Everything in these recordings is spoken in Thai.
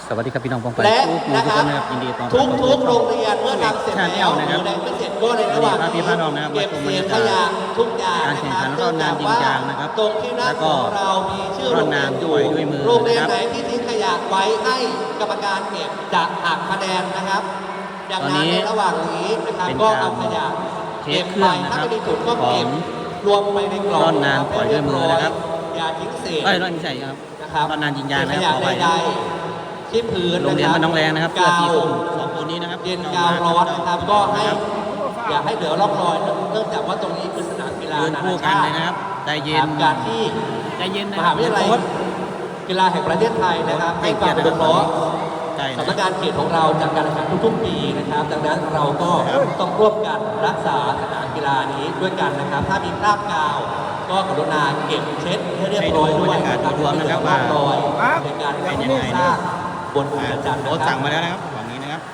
สวัสดีครับพี่น้องปองไปและทุกนะครับยินดีต้อนรับทุกโรงเรียนเมื่อทำเสร็จแล้วนะครับหรือไม่เสร็จก็ในระหว่างพี่พาน้องนะครับเก็บมาชมเศบรรษยากาศขยะทุกอย่างการแข่งขันร่อนนานยิงยางนะครับตรงที่หน้าแล้วก็ของเรามีชื่อโรงเรียนอยู่ร่อนนานปล่อยด้วยมือโรงเรียนนะครับไหนที่ทิ้งขยะไว้ให้กรรมการเก็บจะหักคะแนนนะครับดังตอนนั้นี้นในระหว่างนี้นะครับเป็นก็การเอาขยะเทเก็สบเครื่ไปองนะครับถ้าไม่ได้ถูกก็เก็บของรวมไปในกล่องร่อนนานปล่อยด้วยมือนะครับอย่าทิ้งเศษร่อนไม่ใช่ครับนะครับร่อนนานยิงยางนะขครับยะขอไปใดๆที่พื้นโรงเรียนบ้านน้องแรงนะครับเสื้อสีส้มสองคนนี้นะครับเย็นกาวร้อนนะครับก็ให้อย่าให้เหลือร่องรอยเนื่องจากว่าตรงนี้คือสนามกีฬาเดินนาคู่นากันชาเลติยนะครับใจเย็นการที่ใจเย็นนะมครัหาวิทยาลัยโค้ชกีฬาแห่งประเทศไทยนะครับให้ความอนุเคราะห์ใจนะสำนักงานเขตของเราจากการแข่งขันทุกๆปีนะครับดังนั้นเราก็ต้องร่วมกันรักษาสนามกีฬานี้ด้วยกันนะครับ ถ้ามีคราบกาวก็กรุณาเก็บเช็ดให้เรียบร้อยด้วยนะครับรวมนะครับว่ารอยในการเป็นยังไงสร้างบนอุตจันทร์โค้ชนะครัสั่บงมาแล้วนะครับฝั่งนี้นะครับ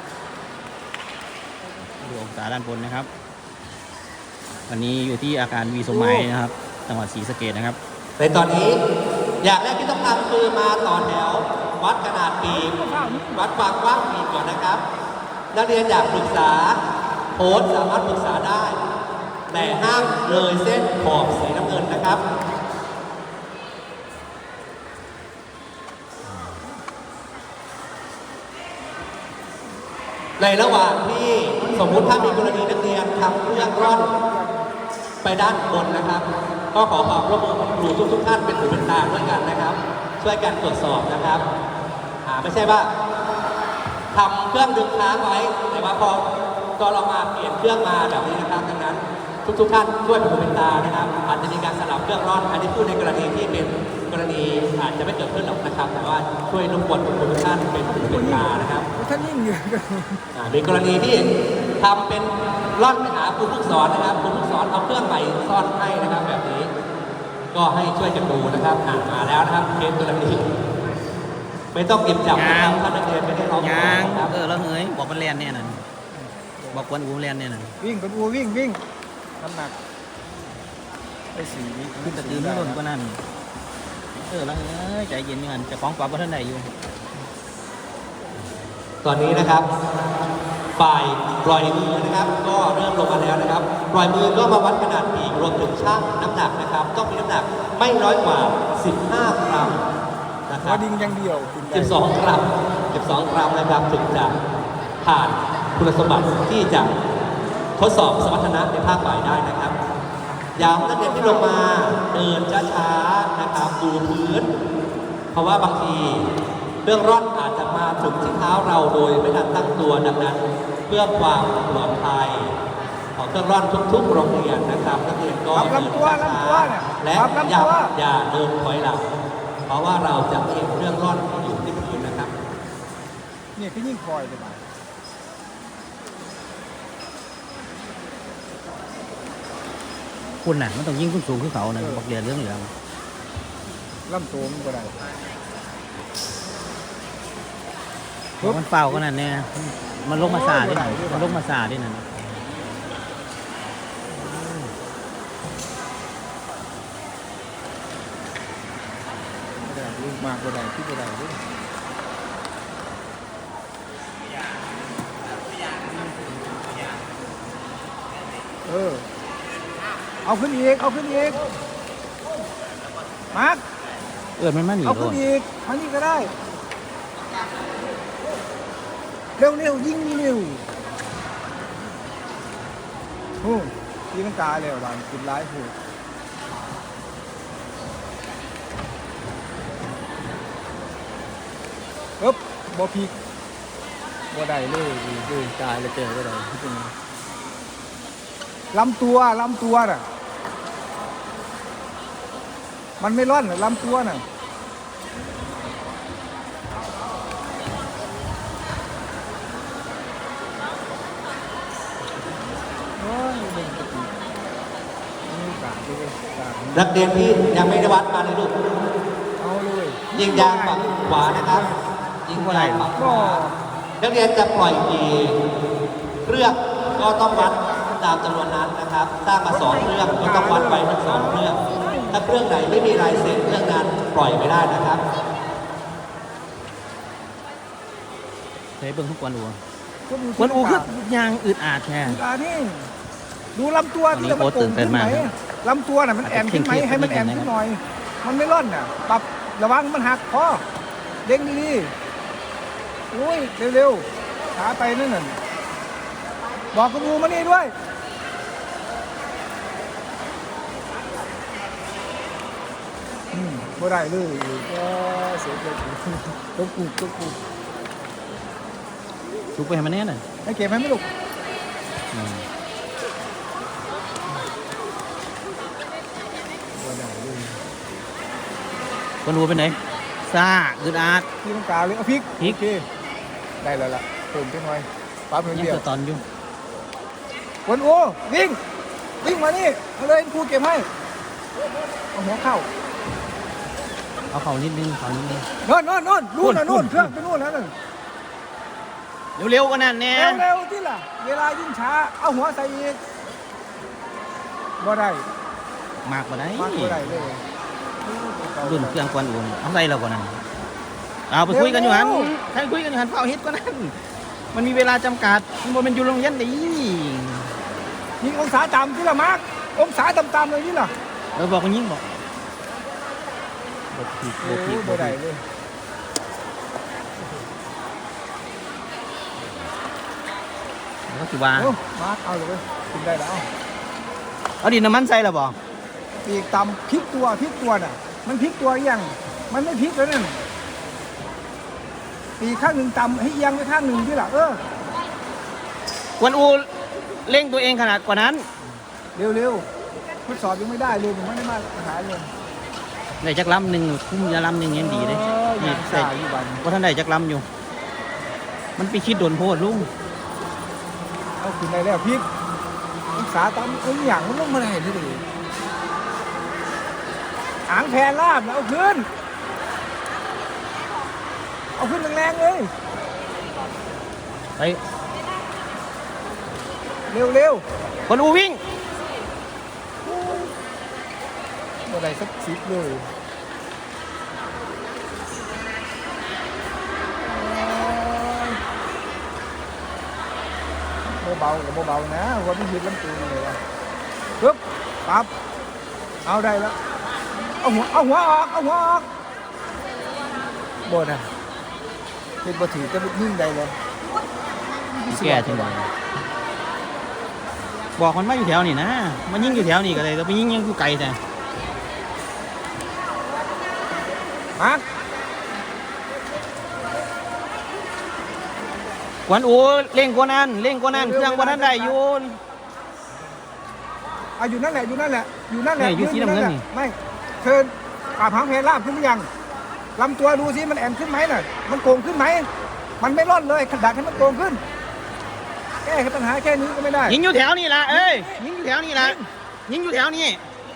ดูองศาด้านบนนะครับ วันนี้อยู่ที่อาคารวีสมัยนะครับจังหวัดศรีสะเกษนะครับในตอนนี้อย่างแรกที่ต้องทำคือมาต่อแถววัดขนาดปีกวัดความกว้างปีกก่อนนะครับนักเรียนอยากปรึกษาโค้ชสามารถปรึกษาได้ แต่ห้ามเลยเส้นขอบสีน้ำเงินนะครับในระหว่างที่สมมุติถ้ามีกรณีนักเรียนทำเครื่องร่อนไปด้านบนนะครับ ก็ขอความร่วมมือของครูทุกท่านเป็นหูเป็นตาด้วยกันนะครับ ช่วยกันตรวจสอบนะครับไม่ใช่ว่าทำเครื่องดึงค้างไว้แต่ว่าพอตอนเรามาเปลี่ยนเครื่องมาแบบนี้นะครับดังนั้นทุกท่านช่วยเป็นหูเป็นตานะครับอาจจะมีการสลับเครื่องร่อนอันนี้พูดในกรณีที่เป็นกรณีอาจจะไม่เกิดขึ้นหรอกนะครับ แต่ว่าช่วยรบกวนทุกท่านเป็นหูเป็นตานะครับท่านยิ่งอยู่ในกรณีที่ทำเป็นร่อนไปหาครูผู้สอนนะครับครูผู้สอนเอาเครื่องใหม่ซ่อนให้นะครับแบบนี้ ก็ให้ช่วยกันดูนะครับมาแล้วนะครับเคสกรณีไม่ต้องเก็บจับนะครับถ้านักเรียนไม่ได้ร้องยางนะครับแล้วเฮ้ยบอกมันแลนเนี่ยนั่นบอกกวนอูแลนเนี่ยนั่นวิ่งเป็นวัววิ่งน้ำหนักไอ้สีนี้ขึ้นตะตือไม่ล้นก็นั่นแล้วเฮ้ยใจเย็นอยู่กันจะฟ้องปรับว่าท่านใดอยู่ตอนนี้นะครับฝ่ายปล่อยมือนะครับ ก็เริ่มลงมาแล้วนะครับปล่อยมือก็มาวัดขนาดปีกรวมถึงชั่งน้ำหนักนะครับ ต้องมีน้ำหนักไม่น้อยกว่า 15 กรัมนะควัรัวบดิ่งอย่างเดียวกินได้ 12 กรัม 12 กรัมนะครับถึงจะผ่านคุณสมบัติที่จะทดสอบสมรรถนะในภาคบ่ายได้นะครับย้ำนักเรียนที่ลงมาเดินช้าๆนะครับดูพื้น เพราะว่าบางทีเรื่องร่อนอาจจะมาถึงที่เท้าเราโดยไม่ทันตั้งตัวดังนั้น เพื่อความปลอดภัยของเครื่องร่อนทุกๆโรงเรียนนะครับนักเรียนก็รับเดินลำตัวช้าลำตัวเนี่ยๆและรับลำอย่าตัวอย่าเดินถอยหลังเพราะว่าเราจะเห็นเครื่องร่อนที่อยู่ที่พื้นนะครับเนี่ยคือยิ่งคอยเลยมาคุณน่ะมันต้องยิ่งขึ้นสูงขึ้นเขานะบอกเรียนเรื่องเหลืองลำตัวมันก็ได้มันเฝ้าก็นั่นเนี่ยมันลงมาสาดิมันลงมาสาดินั่นก็ได้ลูกมากก็ได้ที่ก็ได้ด้วยเอาขึ้นอีกเอาขึ้นอีกมาร์คมันมาหนีเอาโดขึ้นนอีกมานี่ก็ได้เร็วยิ่งเร็วโอ้ยีมันกาเลยว่ะกินร้ายผูกบ่พีกบ่ได้เลยดูตายเลยเจอก็ได้ลำตัวน่ะมันไม่ร่อนลำตัวน่ะนักเรียนที่ยังไม่ได้วัดมาในลูกเอาเลยยิงยางฝั่งขวานะครับยิงยางฝั่งขวานักเรียนจะปล่อยกี่เครื่องก็ต้องวัดตามจำนวนนั้นนะครับสร้างมา2 เครื่องก็ต้องวัดไปทั้ง2 เครื่องถ้าเครื่องไหนไม่มีลายเซ็นเครื่องนั้นปล่อยไม่ได้นะครับเคยเบิ่งทุกวันอูกวนอูกวนอูคือยางอึดอาดแท้นี่ดูลำตัวที่มันโก่งขึ้นไหมลำตัวน่ะมันแอนขึ้นไหมให้มันแอนขึ้นหน่อย มันไม่ร่อนน่ะปรับระวังมันหักคอเด้งดีๆอุ้ยเร็วๆช้าไปนั่นน่ะบอกกวนอูมานี่ด้วยบ่ได้เลยก็เสียใจตัวกูลุกไปให้มันแน่น่ะให้เก็บให้ไม่ลูกอืมบ่ได้เลยคนดูเป็นไหนซ่าอึดอาดพี่ต้องการเลยเอาพริกพริกโอเคได้แล้วล่ะเติมไปหน่อยปั๊บยังเดียวเกิดตอนอยู่วนโอ้วิ่งมานี่เอาเลยครูเก็บให้เอาหัวเข้าเอาเข่านิดนึงเข่านิดนึงโน่นนู่นเครื่องไปนู่นแล้วนึงเร็วๆกว่านั้นแน่เร็วที่ล่ะเวลายิ่งช้าเอาหัวใส่อีกบ่ได้มากกว่าไหนมากบ่ได้เลยรุ่นเครื่องกวนอูนเอาใส่เรากว่านั้นเอาไปคุยกันอยู่หันถ้าคุยกันอยู่หันเฝ้าเฮ็ดกว่านั้นมันมีเวลาจำกัดมันบ่เป็นอยู่โรงเรียนดิยิงองศาต่ำที่ละมาร์กองศาต่ำๆเลยนี่ล่ะเราบอกกันยิงบอกบทผิดบทผิดบบ่ทได้ผิดเลยแล้วก็สิว่าโอ้มาร์กเอาเลยกินได้แล้วเอาดินน้ำมันใส่แล้วบอกปีกต่ำพลิกตัวน่ะมันพลิกตัวยังมันไม่พลิกแล้วนั่นปีกข้างหนึ่งต่ำให้เอียงไปข้างหนึ่งที่ล่ะกวนอูเร่งตัวเองขนาดกว่านั้นเร็วทดสอบยังไม่ได้เลยผมไม่ได้มาหาเลยได้จักลำหนึ่งคุ้มยาลำหนึ่งยังดีเลยนี่นี่ใส่ใส่อยู่บันว่าท่านได้จักลำอยู่ มันไปคิดโดนโพดลุงเอาขึ้นได้แล้วพลิกองศาต่ำอย่างมันลงมาได้เลยหางแพรลาบเอาขึ้นแรงๆเลยไปเร็วกวนอูวิ่งบ่ได้สักสิบเลยเบากับเบานะวันนี้ยืดลำตัวเลยวะปึ๊บปั๊บเอาได้แล้วเอาหัวออกบ่ได้เป็นบ่ถือจะยิ่งได้เลยแก่จังเลยบอกมันมาอยู่แถวนี่นะ มันยิงอยู่แถวนี่ก็เลยแต่ไปยิงยังอยู่ไกลแต่มาร์คกวนอูเร่งกว่านั้นเครื่องกว่านั้นได้อยู่อยู่นั่นแหละเนี่ยอยู่สีน้ำเงินนี่ไม่เชิญปราบหางเพลลาบขึ้นหรือยังลำตัวดูสิมันแอนขึ้นไหมน่ะมันโกงขึ้นไหมมันไม่ร่อนเลยดัดให้มันโกงขึ้นแก้ปัญหาแค่นี้ก็ไม่ได้ยิงอยู่แถวนี่ละเอ้ยยิงอยู่แถวนี่ละยิงอยู่แถวนี้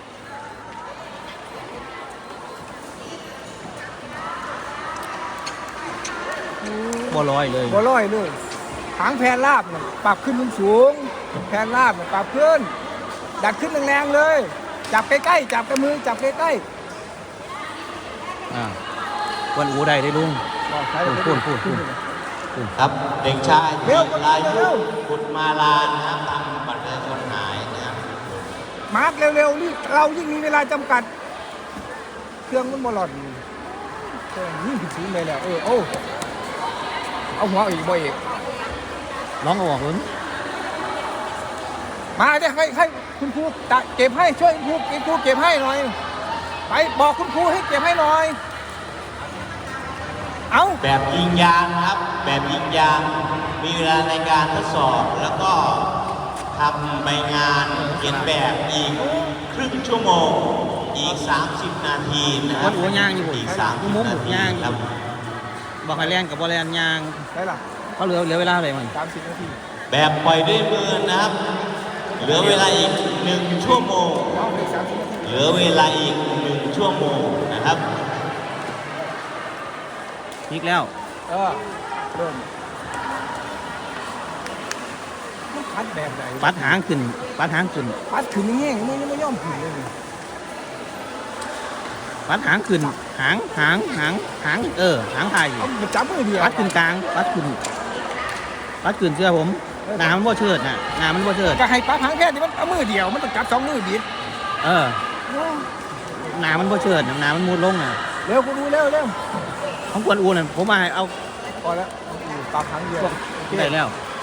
บ่ลอยเลยบ่ร้อยเลยหางแพรลาบน่ะปรับขึ้นสูงแพรลาบน่ะปรับขึ้นดัดขึ้นแรงๆเลยจับใกล้ๆจับกับมือจับใกล้กวนอูได้ได้ลุงๆบอกใช้พูดครับเด็กชายเร็วลายุเร็วบุตรมาลานะครับทำบัตรประชาชนหายนะครับมาร์กเร็วๆนี่เรายิ่งมีเวลาจำกัด เครื่องมันบอลอดเครื่องยิ่งผิดสูงเลยแล้วเอาหัวอีกบ่อีกร้องเอาออกเลยมาเดี๋ยวให้คุณครูเก็บให้ช่วยคุณครูเก็บให้หน่อยไปบอกคุณครูให้เก็บให้หน่อยเอาแบบยิงยางนะครับ แบบยิงยางมีเวลาในการทดสอบแล้วก็ทำใบงานเขียนแบบอีกครึ่งชั่วโมงอีก 30 นาทีนะคกวรับนอูย่างอยู่อีกกูมุม 30 นาบุกทีย่างครับบอกให้แล่นกับบ่แล่นย่างได้ล่ะเขาเหลือเวลาอะไรมัน 30 นาทีแบบปล่อยด้วยมือนะครับ เหลือเวลาอีก1 ชั่วโมงเอาไป30 นาทีเหลือเวลาอีก1 ชั่วโมงนะครับพลิกแล้วเริ่มมันพัดแบบไหนปัดหางขึ้นพัดขึ้นแห้งๆมันยังไม่ย่อมขึ้นเลยปัดหางขึ้นหางหางไทยเอาจับมือเดียวปัดขึ้นกลางปัดขึ้นปัดขืนเสื้อผมหนามันบ่เชิดน่ะหนามันบ่เชิดก็ให้ปลาหางแค่ที่มันเอามือเดียวมันต้องจับ2 มือบิดเออหนามันบ่เชิดหนามันมุดลงน่ะเร็วกูดูเร็วเร็วของกวนอูน่ะผมมาให้เอาพอแล้วปลาหางเดียวโอเคได้แล้ว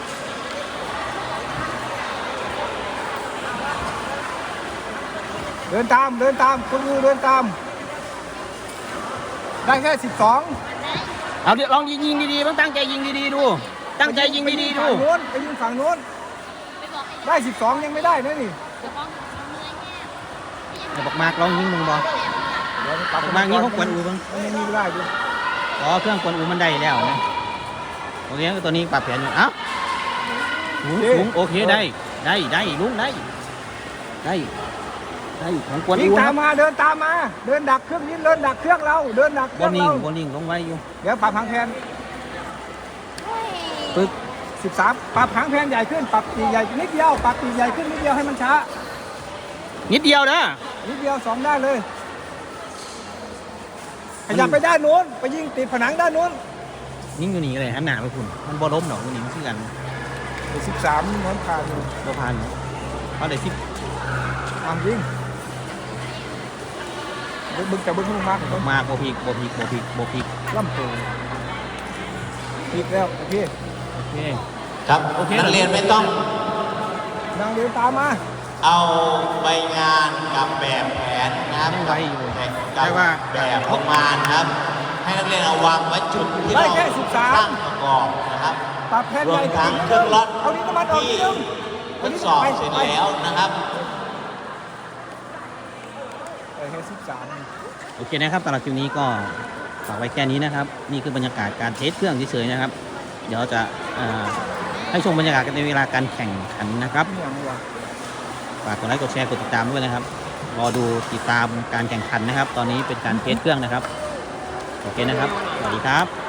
เดินตามคุณดูเดินตาม ได้แค่12 เอาเดี๋ยวลองยิงดีๆต้องตั้งใจยิงดีๆดูตั้งใจยิงดีๆดูไปยิงฝั่งโน้นได้12ยังไม่ได้นะนี่เดี๋ยวบอกมากลองยิงมึงบอกเดี๋ยวบอกมากยิงของกวนอูบ้างมันยังมีเวลาอยู่อ๋อเครื่องกวนอูมันได้แล้วนะโอเคตัวนี้ปรับแผนอยู่เอ้าลุงโอเคได้ลุงได้ของกวนวิ่อูงนะตามมาเดินตามมาเดินดักเครื่องนี้เดินดักเครื่องเราเดินดักเคบรื่อองนิ่งเราบอนิ่งลงไว้อยู่เดี๋ยวปรับหางแพนปึ๊บ 13ปรับหางแพนใหญ่ขึ้นปรับปีกใหญ่นิดเดียวปรับปีกใหญ่ขึ้นนิดเดียวให้มันช้านิดเดียวนะนิดเดียว2ได้เลยขยับไปด้านโน้นไปยิงติดผนังด้านโน้นยิงอยู่นี่เลยหันหน้าไปคุณมันบอล้มหรอกมันนี่มันคือกัน 13โน้นผ่านอยู่บอพันเขาได้10 ยิงบึ้งจะบึ้งมากมาโบพีกล่ำตัวพีกแล้วโอเคโอเคครับโอเคนักเรียนไม่ต้องนางเดินตามมาเอาใบงานกับแบบแผนนะครับยังไวอยู่กับแบบออกมานะครับ ให้นักเรียนเอาวางไว้จุดที่ได้เราแค่13 ตั้งประกอบนะครับปรับแพนรวใหญ่มทั้งเครื่องล็อตเอานี้น้ำมันออกที่นิดนึงทดสอบเสร็จแล้วนะครับแค่13 โอเคนะครับสำหรับคลิปนี้ก็ฝากไว้แค่นี้นะครับ นี่คือบรรยากาศการเทสเครื่องเฉยๆนะครับ เดี๋ยวจะให้ชมบรรยากาศกันในเวลาการแข่งขันนะครับอย่างนี้วะฝากกดไลค์กดแชร์กดติดตามด้วยนะครับรอดูติดตามการแข่งขันนะครับ ตอนนี้เป็นการเทสเครื่องนะครับโอเคนะครับสวัสดีครับ